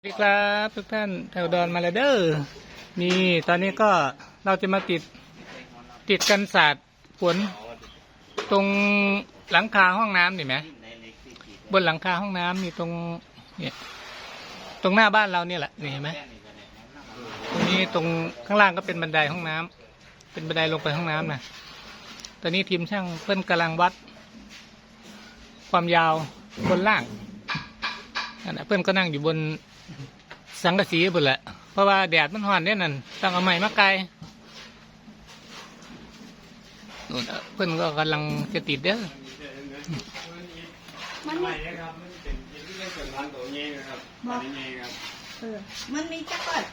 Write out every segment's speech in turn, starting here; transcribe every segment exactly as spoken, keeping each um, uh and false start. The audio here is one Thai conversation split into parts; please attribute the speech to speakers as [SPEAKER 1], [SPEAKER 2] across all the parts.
[SPEAKER 1] สวัสดีครับทุกท่านแถวดอนมาแล้วเด้อนี่ตอนนี้ก็เราจะมาติดติดกันศาสตร์ฝนตรงหลังคาห้องน้ำนี่ไหมบนหลังคาห้องน้ำนี่ตรงเนี่ยตรงหน้าบ้านเราเนี่ยแหละนี่เห็นไหมตรงนี้ตรงข้างล่างก็เป็นบันไดห้องน้ำเป็นบันไดลงไปห้องน้ำนะตอนนี้ทีมช่างเพิ่นกำลังวัดความยาวบนล่างนั่นนะเพิ่นก็นั่งอยู่บนสังกะสีบนแหละเพราะว่าแดดมันร้อนเนี่ยนั่นต้องเอาไม้มาไกลนู่นเพิ่นก็กำลังจะติดเด้อ
[SPEAKER 2] มันมีครับมันเป็นที่เล่นส่วนพันตัวเงี้ยครับตัวนี้เงี้ยครับเออมันมีจักรก่อน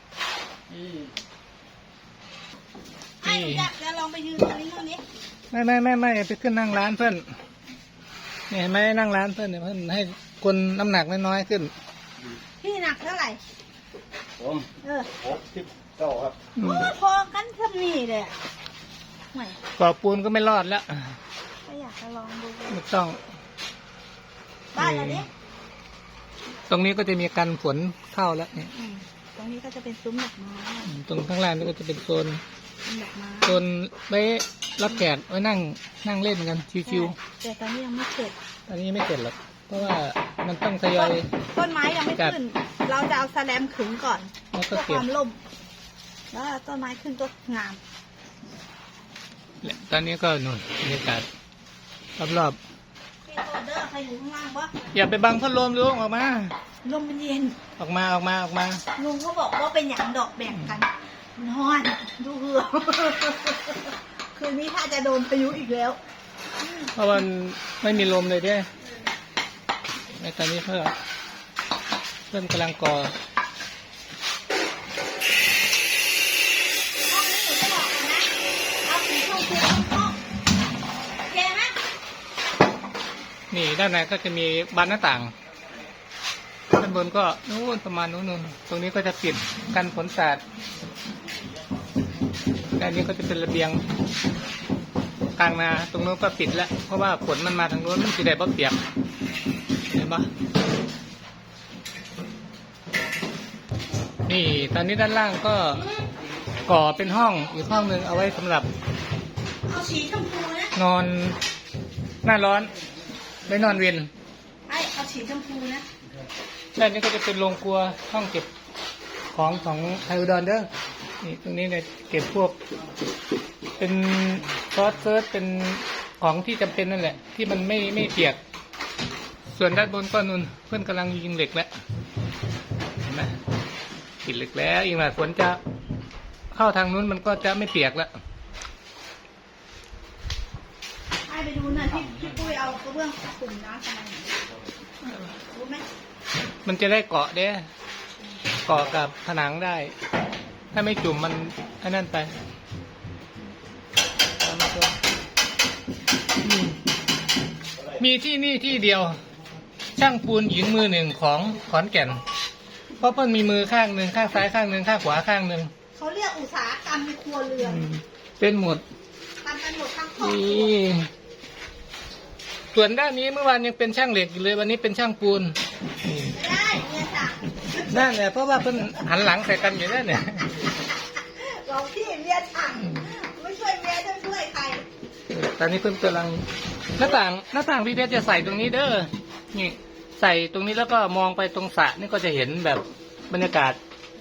[SPEAKER 2] ไอ้อยากจะลองไปยืนตรงนี้ตรงนี้
[SPEAKER 1] ไม่ไม่ไม่ไม่ไปขึ้นนั่งร้านเพื่อนนี่เห็นไหมนั่งร้านเพื่อนเนี่ยเพื่อนให้คนน้ำหนักน้อยๆขึ้น
[SPEAKER 2] พี่หนักเท่าไหร่
[SPEAKER 3] ผม
[SPEAKER 2] เออ
[SPEAKER 3] หกสิบเก้าครับ
[SPEAKER 2] พอกันทำนี่เลยไม่
[SPEAKER 1] ก่อปูนก็ไม่รอดแล้ว
[SPEAKER 2] ก็อยากจะลองดู
[SPEAKER 1] ไม่ต้อง
[SPEAKER 2] บ้านเราดิ
[SPEAKER 1] ตรงนี้ก็จะมีกันฝนเข้าแล้วเนี่ย
[SPEAKER 2] ตรงนี้ก็จะเป็นซุ้มดอกไม้
[SPEAKER 1] ตรงข้างล่างนี่ก็จะเป็นโซน
[SPEAKER 2] ดอกไม้
[SPEAKER 1] โซนไว้รับแขกไว้นั่งนั่งเล่นกันชิว
[SPEAKER 2] ๆแต่ตอนนี้ยังไม่เสร็จ
[SPEAKER 1] ตอนนี้ไม่เสร็จหรอกเพราะว่ามันต้องทยอย
[SPEAKER 2] ต้นไม้ยังไม่ขึ้นเราจะเอาแสลมขึงก่อน
[SPEAKER 1] เพื่อ
[SPEAKER 2] ความล่มแล้วต้นไม้ขึ้นก็งาม
[SPEAKER 1] ตอนนี้ก็นู่นบรรยากาศรอบ
[SPEAKER 2] ๆพี่โตเดอร์ใครอยู่ข้างล่างวะ
[SPEAKER 1] อย่าไปบังพัดลมลุงออกมา
[SPEAKER 2] ลมมันเย็น
[SPEAKER 1] ออกมาออกมาออกมา
[SPEAKER 2] ลุงเขาบอกว่าเป็นอย่างดอกแบ่งกันนอนดูเหือคืนนี้ถ้าจะโดนพายุอีกแล้ว
[SPEAKER 1] เพราะมันไม่มีลมเลยเด้ในตอนนี้เพื่อเพื่อนกำลังก่อนี่ด้านในก็จะมีบานหน้าต่างด้านบนก็นู้นประมาณนู้นตรงนี้ก็จะปิดกันฝนสาดด้านนี้ก็จะเป็นระเบียงกลางนาตรงนู้นก็ปิดแล้วเพราะว่าฝนมันมาทางนู้นมันจะได้บ่เปียกเห็นปะนี่ตอนนี้ด้านล่างก็ก่อเป็นห้องอีกห้องหนึ่งเอาไว้สำหรับนอนหน้าร้อนไม่นอนเวียน
[SPEAKER 2] ไอ้เอาสีชมพูนะ
[SPEAKER 1] ด้านนี้ก็จะเป็นโรงครัวห้องเก็บของของไทยอุดรเด้อนี่ตรงนี้เนี่ยเก็บพวกเป็นซอสเซิร์ชเป็นของที่จำเป็นนั่นแหละที่มันไม่ไม่เปียกส่วนด้านบนก็นุ่นเพื่อนกำลังยิงเหล็กแล้วเห็นไหมติดเหล็กแล้วอีกหน่อยฝนจะเข้าทางนู้นมันก็จะไม่เปียกแล้ว
[SPEAKER 2] ให้ไปดูหน่อยพี่พี่ปุ้ยเอากระเบื้องกลุ่มน้ำทำไมรู้ไหม
[SPEAKER 1] มันจะได้เกาะเด้เกาะกับผนังได้ถ้าไม่จุ่มมันไอ้นั่นไปมีที่นี่ที่เดียวช่างปูนหญิงมือหนึ่งของขอนแก่นเพราะเพิ่นมีมือข้างหนึ่งข้างซ้ายข้างหนึ่งข้างขวาข้างหนึ่ง
[SPEAKER 2] เขาเรียกอุตสาหกรรมในครัวเรือน
[SPEAKER 1] เป็นหมด
[SPEAKER 2] ทำกันหมดทั้งครอบครัว
[SPEAKER 1] ส่วนด้านนี้เมื่อวานยังเป็นช่างเหล็กอยู่เลยวันนี้เป็นช่างปูน
[SPEAKER 2] ไม่ได้เนี่ยจ้ะ
[SPEAKER 1] นั่นแหละเพราะว่าเพิ่นหันหลังใส่กันอยู่นั่นเนี่ย
[SPEAKER 2] เราพี่เมียช่างไม่ช่วยเมียจะช่วยใคร
[SPEAKER 1] ตอนนี้เพิ่นกำลังหน้าต่างหน้าต่างพี่เพชรจะใส่ตรงนี้เด้อนี่ใส่ตรงนี้แล้วก็มองไปตรงสระนี่ก็จะเห็นแบบบรรยากาศ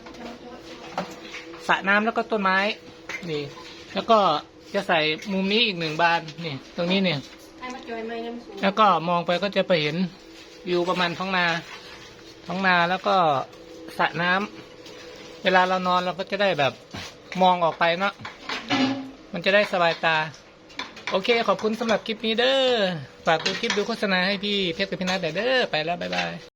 [SPEAKER 1] สระน้ำแล้วก็ต้นไม้นี่แล้วก็จะใส่มุมนี้อีกหนึ่งบานนี่ตรงนี้เนี่ยแล้วก็มองไปก็จะไปเห็นวิวประมาณท้องนาท้องนาแล้วก็สระน้ำเวลาเรานอนเราก็จะได้แบบมองออกไปเนาะมันจะได้สบายตาโอเคขอบคุณสำหรับคลิปนี้เด้อฝากดูคลิปดูโฆษณาให้พี่เพชรกับพี่นัทเด้อไปแล้วบ๊ายบาย